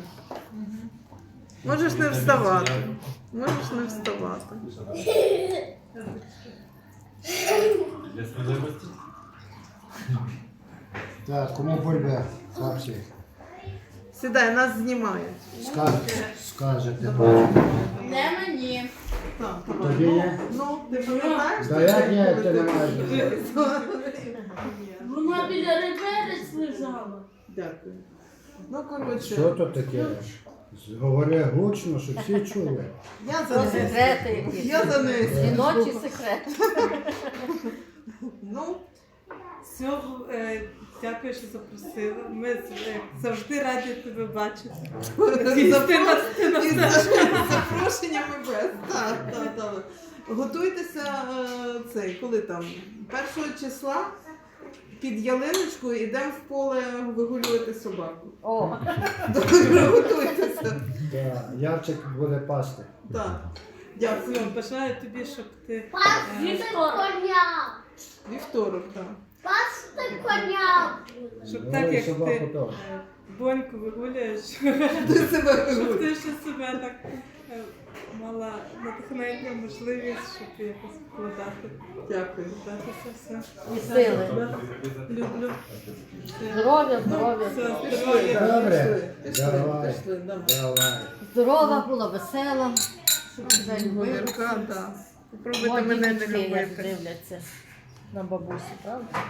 Можеш не вставати. Можеш не вставати. Для сміливості? Так, кому бульбе, хлопці? Сідай, нас знімають. Скажете. Не мені. Так, Тобі є? Ну, ти пам'ятаєш? Да як ні, ти не маєш. Вона біля реверець лежала. Дякую. Ну, коротше, Що то таке? Говори гучно, щоб всі чули. я Про за неї. секрети якісь. Я за неї. Жіночі секрети. Ну, Все, дякую, що запросила. Ми завжди раді тебе бачити. із запрошеннями без. Так. Готуйтеся, коли там, 1 числа під ялиночкою йдемо в поле вигулювати собаку. О, Добре, готуйтеся. Да, Ярчик буде пасти. Так. Дякую. Все, бажаю тобі, щоб ти Коня! Вівторок, так. Пасти коня! щоб так, як собаку ти теж. Боньку вигуляєш, Ти себе щоб вигулюєш. ти ще себе так мала натхнення, можливість, щоб якось вкладати. Дякую. Вкладатися все. і сили. Люблю. Здоров'я, здоров'я. Все, здоров'я. Добре. Пішли, Давай. пішли, давай. Давай. Здорова була, весела. Щоб тебе любили. Говірка, так. Попробуйте Мої мене не діточки, як любити. дивляться на бабусі, правда?